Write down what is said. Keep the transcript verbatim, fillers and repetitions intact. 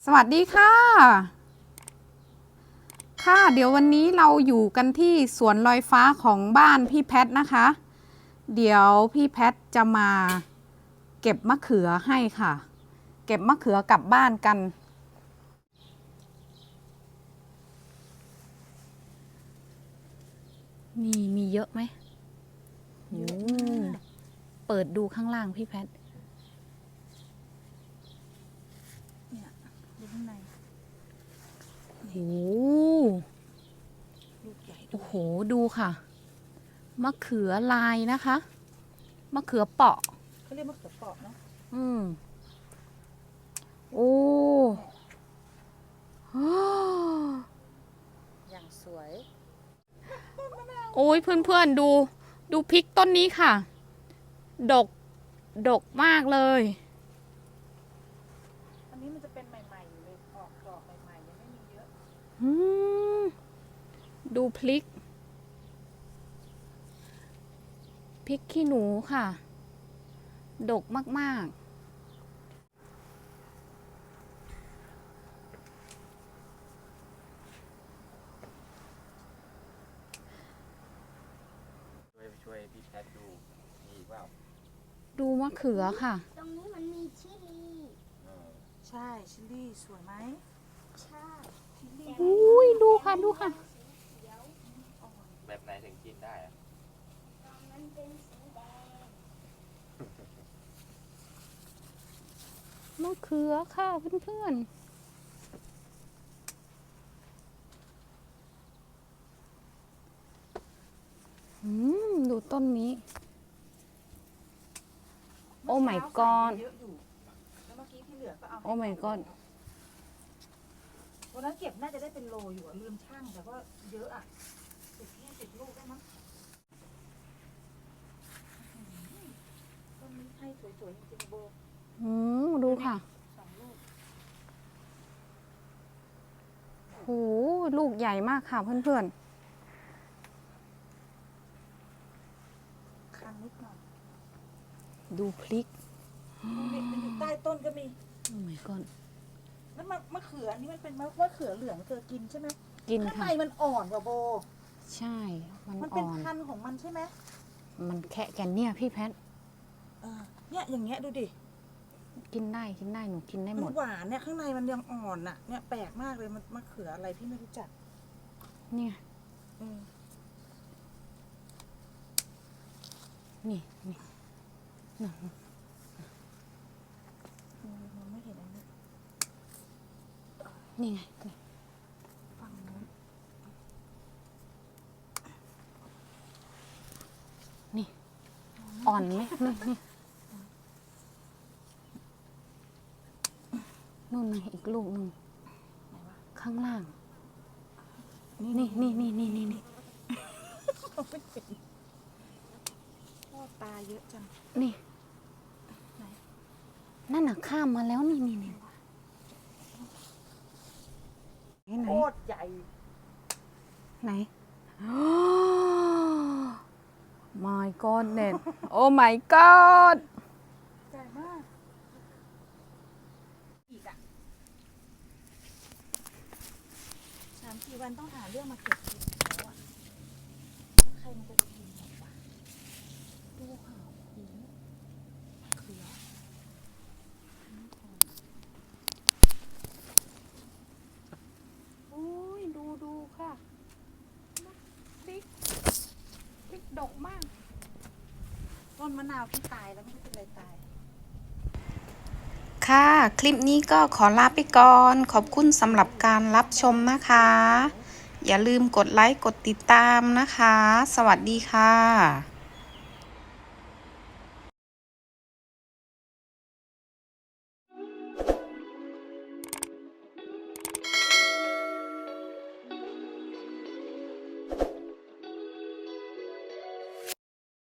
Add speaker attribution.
Speaker 1: สวัสดีค่ะค่ะเดี๋ยววันนี้เราอยู่กันที่สวนลอยฟ้าของบ้านพี่แพทนะคะ เดี๋ยวพี่แพทจะมาเก็บมะเขือให้ค่ะ เก็บมะเขือกลับบ้านกันมีมีเยอะไหมโอ้เปิดดูข้างล่างพี่แพท
Speaker 2: เนี่ยดูข้างใน
Speaker 1: โอ้โห
Speaker 2: ลูกใหญ่ด้
Speaker 1: โอ้
Speaker 2: วย
Speaker 1: โหดูค่ะมะเขือลายนะคะมะเขือเปาะ
Speaker 2: เขาเรียกมะเขือเปราะเนาะ
Speaker 1: อืมโอ้
Speaker 2: อย่างสวย
Speaker 1: โอ้ยเพื่อนๆดูดูพริกต้นนี้ค่ะ ดกดกมากเลย
Speaker 2: อันนี้มันจะเป็นใหม่ๆอยู่เลยออกดอกใหม่ๆยังไม่มีเยอะ
Speaker 1: อืมดูพริกพริกขี้หนูค่ะ ดกมากๆ
Speaker 3: ช่วยช่วยพี่แพทดูมีอีกเปล่า
Speaker 1: ดูมะเขือค่ะ
Speaker 4: ตรงนี้มันมีชิลี
Speaker 3: เออ
Speaker 2: ใช่ชิลลี่สวยไหม
Speaker 4: ใช่
Speaker 2: ชิลลี่
Speaker 1: อุ้ยดูค่ะดูค่ะ
Speaker 4: เขียว
Speaker 3: แบบไหนถึงกินได้อะ
Speaker 4: ตรงนั้นเป็นสีแดง
Speaker 1: มะเขือค่ะเพื่อนๆอืมดูต้นนี้ โอ้ my god
Speaker 2: เยอะอยู่แล้วเมื่อกี้ที่เหลือก็เอา
Speaker 1: โอ้ my god
Speaker 2: วันนั้นเก็บน่าจะได้เป็นโลอยู่อะลืมช่างแต่ก็เยอะอะสิบยี่สิบลูกได้มั้งต้นนี้ให้สวยๆจริงๆโบ
Speaker 1: อืมดูค่ะ
Speaker 2: สองลูก
Speaker 1: โหลูกใหญ่มากค่ะเพื่อน
Speaker 2: คันนิดหน่อย
Speaker 1: ๆ ดูพริก
Speaker 2: มันอยู่ใต้ต้นก็มี
Speaker 1: โอ้ my god
Speaker 2: แล้วมะมะเขืออันนี้มันเป็นมะมะเขือเหลืองเธอกินใช่ไหม
Speaker 1: กิน
Speaker 2: ข้างใน
Speaker 1: ค่ะ
Speaker 2: มันอ่อนกว่าโบ
Speaker 1: ใช่ มัน
Speaker 2: มัน
Speaker 1: อ่
Speaker 2: เป็น
Speaker 1: อน
Speaker 2: พันธุ์ของมันใช่ไหม
Speaker 1: มันแค่แกนเนี่ยพี่แพท
Speaker 2: เออเนี่ยอย่างเงี้ยดูดิ
Speaker 1: กินได้กินได้หนูกินได้ห
Speaker 2: มั
Speaker 1: ม
Speaker 2: น
Speaker 1: ด
Speaker 2: หวานเนี่ยข้างในมันยังอ่อนอ่ะ เนี่ยแปลกมากเลยมันมะเขืออะไรพี่ไม่รู้จัก
Speaker 1: เนี่ย
Speaker 2: อืม
Speaker 1: นี่นี่
Speaker 2: อืมมันไม่เห็นอันนี้
Speaker 1: นี่ไงนี่
Speaker 2: ฝั่งนู้น
Speaker 1: นี่อ่อนไหมนี่นี่นู่นไงอีกลูกหนึ่ง
Speaker 2: ไหนวะ
Speaker 1: ข้างล่าง นี่นี่นี่นี่นี่นี่
Speaker 2: ไม่เห็นพ่อตาเยอะจัง
Speaker 1: นี่
Speaker 2: ไหน
Speaker 1: นั่นน่ะข้ามมาแล้วนี่นี่นี่ไหน
Speaker 2: โคตรใหญ่
Speaker 1: ไหน my god เน็ต oh my god
Speaker 2: ใหญ่มากอีกอ่ะสามสี่วันต้องหาเรื่องมาเก็บกินแล้วอ่ะแล้วใครมันจะไปกินหมดวะดูค่ะโอ้โหมะเขือ
Speaker 1: โอ้ยดูดูค่ะพริกพริกดกมาก
Speaker 2: ต้นมะนาวที่ตายแล้วไม่รู้เป็นอะไรตาย
Speaker 1: ค่ะ คลิปนี้ก็ขอลาไปก่อน ขอบคุณสำหรับการรับชมนะคะ อย่าลืมกดไลค์ กดติดตามนะคะ สวัสดีค่ะ